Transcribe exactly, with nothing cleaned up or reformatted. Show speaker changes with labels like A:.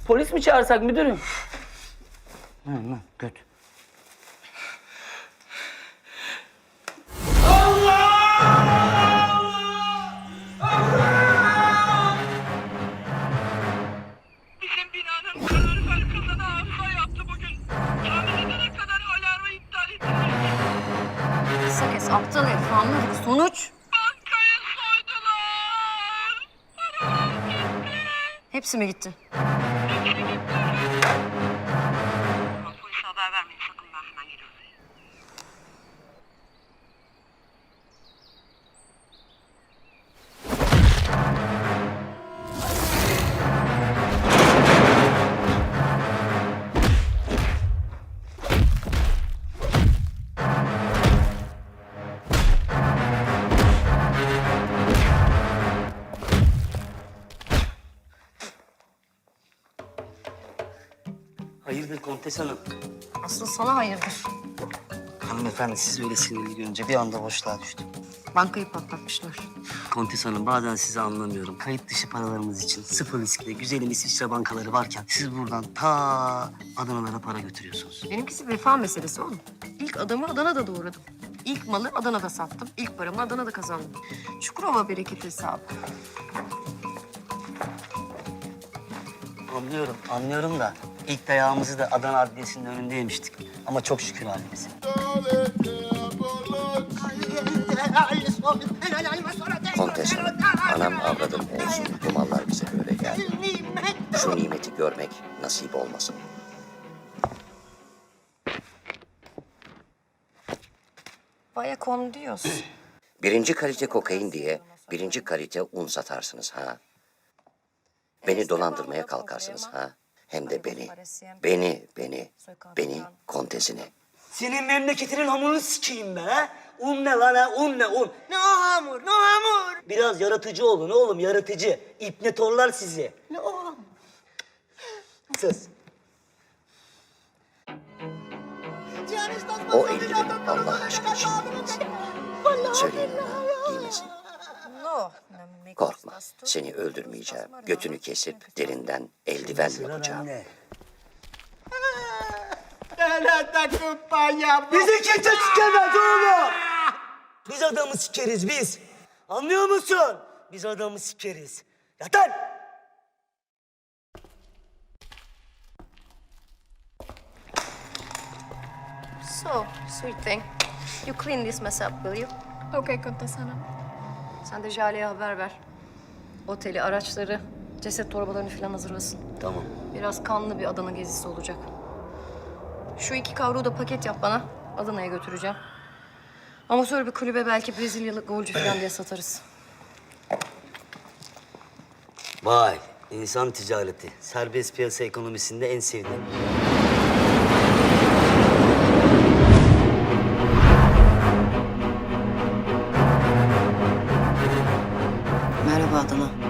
A: Polis mi çağırsak müdürüm? Hı hı, göt.
B: Bizim binanın kalorifer kazanı arıza yaptı bugün. Tamir edene kadar alarmı iptal ettiler.
C: Kısa kes aptal herif anladık. Sonuç?
B: Bankayı soydular. Paralar gitti.
C: Hepsi mi gitti?
B: Polise haber vermeyin sakın, ben hemen geliyorum.
A: Hayırdır Kontes Hanım?
C: Asıl sana hayırdır.
A: Hanımefendi siz öyle sinirli görünce bir anda boşluğa düştüm.
C: Bankayı patlatmışlar.
A: Kontes Hanım bazen sizi anlamıyorum. Kayıt dışı paralarımız için sıfır riskli güzelim İsviçre bankaları varken siz buradan ta Adana'lara para götürüyorsunuz.
C: Benimkisi vefa meselesi oğlum. İlk adamı Adana'da doğradım. İlk malı Adana'da sattım. İlk paramı Adana'da kazandım. Çukurova bereket hesabı.
A: Anlıyorum, anlıyorum da ilk dayağımızı da Adana Adliyesi'nin önünde yemiştik. Ama çok şükür halimize.
D: Kontes Hanım, anam avradım olsun. Bu mallar bize böyle geldi. Şu nimeti görmek nasip olmasın.
C: Vaya con Dios.
D: Birinci kalite kokain diye birinci kalite un satarsınız ha. Beni dolandırmaya kalkarsınız ha. Hem de beni, beni, beni, beni kontesini.
A: Senin memleketinin hamurunu sikeyim be ha? Un ne lan ha? Un ne un? Ne o hamur, ne o hamur? Biraz yaratıcı olun oğlum, yaratıcı. İpne torlar sizi. Ne o hamur? Sus.
D: O eldiveni Allah aşkı için giymesin. Söyleyin ona giymesin.
C: No.
D: Korkma, seni öldürmeyeceğim. Götünü kesip derinden eldiven yapacağım.
A: Bizi kimse sikemez oğlum. Biz adamı sikeriz biz. Anlıyor musun? Biz adamı sikeriz. Yatan!
C: So, sweet thing. You clean this mess up, will you?
E: Okay, Kontes Hanım.
C: Sen de Jale'ye haber ver. Oteli, araçları, ceset torbalarını falan hazırlasın.
A: Tamam.
C: Biraz kanlı bir Adana gezisi olacak. Şu iki kavruğu da paket yap bana. Adana'ya götüreceğim. Amatör bir kulübe belki Brezilyalı golcü falan diye satarız.
A: Vay, insan ticareti. Serbest piyasa ekonomisinde en sevdiğim.
C: Merhaba Adana.